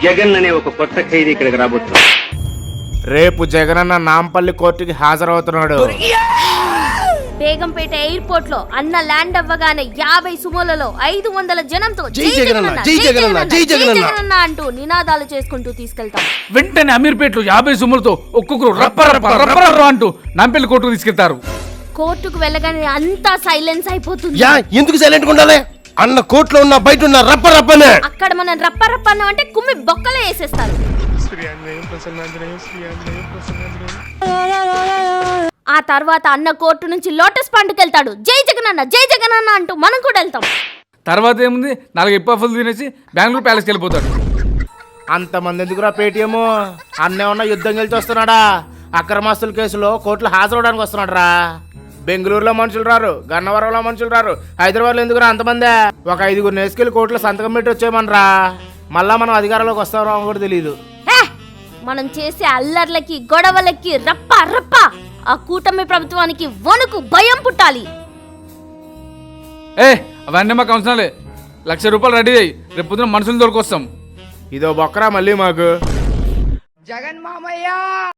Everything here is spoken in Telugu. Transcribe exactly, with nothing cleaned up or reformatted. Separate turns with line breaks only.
జగన్ అనే ఒక కొత్త ఖైదీ ఇక్కడికి రాబోతున్నాడు.
రేపు జగనన్న నాంపల్లి కోర్టుకి హాజరవుతున్నాడు.
బేగంపేట ఎయిర్పోర్ట్ లో అన్న ల్యాండ్ అవ్వగానే యాభై సుమోలలో ఐదు వందల జనంతో
జై జగనన్న, జై జగనన్న, జై జగనన్న
అంటూ నినాదాలు చేసుకుంటూ తీసుకెళ్తాం.
వెంటనే అమీర్పేటలో యాభై సుమ్ములతో ఒక్కొక్కరు రప్ప రప్ప రప్ప రప్ప అంటూ నాంపల్లి కోర్టుకు తీసుకెళ్తారు.
కోర్టుకు వెళ్ళగానే అంతా సైలెన్స్ అయిపోతుంది.
యా ఎందుకు సైలెంట్ ఉండాలి? అన్న కోర్టులో ఉన్న బయట ఉన్న రప్ప రప్పనే.
అక్కడ మనం రప్ప రప్ప అన్నాం అంటే కుమ్మి బొక్కలే వేసేస్తారు. ఆ తర్వాత అన్న కోర్టు నుంచి లోటస్ పండుకి వెళ్తాడు. జై జగనన్న, జై జగనన్న అంటూ మనం కూడా వెళ్తాం.
తర్వాత ఏముంది, నాలుగు ఎప్పాఫులు తినేసి బెంగళూరు ప్యాలెస్కి వెళ్ళిపోతాడు.
అంతమంది ఎందుకురా పేటీఎం? అన్నేమన్నా యుద్ధం గెలిచి వస్తున్నాడా? అక్రమాస్తుల కేసులో కోర్టులో హాజరవడానికి వస్తున్నాడు రా. బెంగళూరులో మనుషులు రారు, గన్నవరంలో మనుషులు రారు, హైదరాబాద్లో ఎందుకురా అంతమంది? ఒక ఐదుగురు నేసుకెళ్ళి కోర్టులో సంతకం పెట్టి వచ్చేయమనరా. మళ్ళా మనం అధికారంలోకి వస్తామో కూడా తెలియదు.
మనం చేసే అల్లర్లకి గొడవలకి రప్ప రప్ప ఆ కూటమి ప్రభుత్వానికి వణుకు భయం పుట్టాలి.
ఏ అవన్నీ మాకు అవసరాలే. లక్ష రూపాయలు రెడీ అయ్యి రేపు పొద్దున మనుషులు దొరికొస్తాం.
ఇదో బొక్కరా మళ్ళీ మాకు.
జగన్ మామయ్య